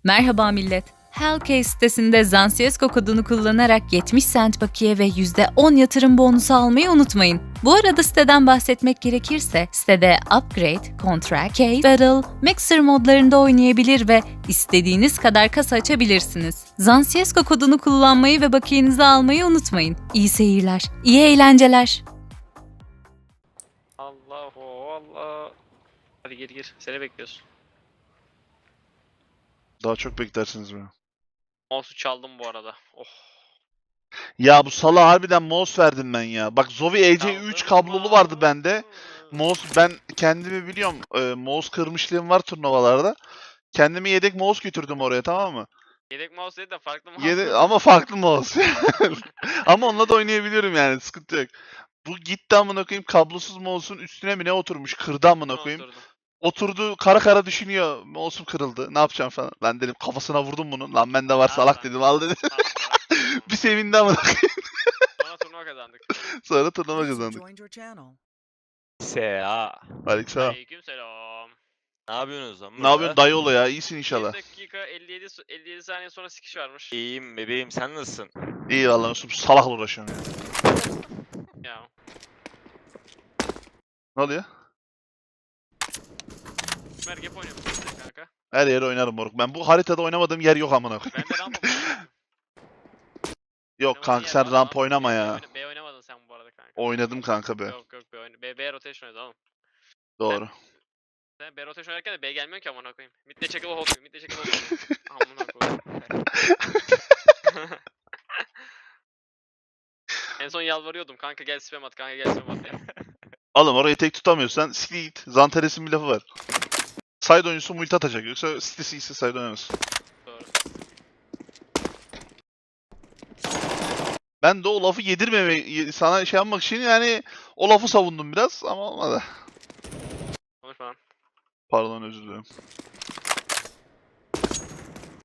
Merhaba millet. Hellcase sitesinde Zansiyesco kodunu kullanarak 70 cent bakiye ve %10 yatırım bonusu almayı unutmayın. Bu arada siteden bahsetmek gerekirse, sitede Upgrade, Contract, Case, Battle, Mixer modlarında oynayabilir ve istediğiniz kadar kasa açabilirsiniz. Zansiyesco kodunu kullanmayı ve bakiyenizi almayı unutmayın. İyi seyirler, iyi eğlenceler. Allahu Allah. Hadi gir. Seni bekliyoruz. Daha çok beklersiniz beni. Mouse'u çaldım bu arada. Oh. Ya bu sala harbiden mouse verdim ben ya. Bak Zowie EC3 Çaldım kablolu vardı mouse'u. bende. Mouse ben kendimi biliyorum. Mouse kırmışlığım var turnuvalarda. Kendime yedek mouse götürdüm oraya, tamam mı? Yedek mouse değil de farklı mouse. Ama farklı mouse. Ama onunla da oynayabiliyorum yani, sıkıntı yok. Bu gitti amına koyayım, kablosuz mouse'un üstüne mi ne oturmuş, kırdı amına koyayım. Oturdum. Oturdu kara kara düşünüyor. Mouse'um kırıldı. Ne yapacağım falan. Ben dedim kafasına vurdum bunu. Lan bende var salak Al dedim, al dedi. Bir sevindi amına koyayım. Sonra turnuva kazandık. Sonra turnuva kazandık. Sea. Aleykümselam. Aleykümselam. Ne yapıyorsunuz lan Ne yapıyorsun dayıoğlu ya? İyisin 1 inşallah. dakika 57 saniye sonra sikiş varmış. İyiyim bebeğim, sen nasılsın? İyi vallahi, nasıl salakla uğraşıyorum ya. Ya. Ne oluyor? Mergep oynuyor musun kanka? Her yere oynarım moruk. Ben bu haritada oynamadığım yer yok amına koyayım. Ben de rampa oynuyorum. Yok kanka, sen ramp oynama ya. B oynamadın sen bu arada kanka. Oynadım kanka be. Yok B oynadım. B rotation oynadı oğlum. Doğru. Sen B rotation oynarken de B gelmiyor ki amına koyayım. Mid'de çekil hold. Mid'de çekil hold. Amına koyayım. En son yalvarıyordum kanka gel spam at kanka gel spam at diye. Oğlum orayı tek tutamıyorsan siktir git. Zantares'in bir lafı var. Side oyuncusu multi atacak. Yoksa sitesi ise side oynamaz. Doğru. Ben de o lafı yedirmeme, sana şey yapmak için yani o lafı savundum biraz ama olmadı. Konuşma lan. Pardon, özür dilerim.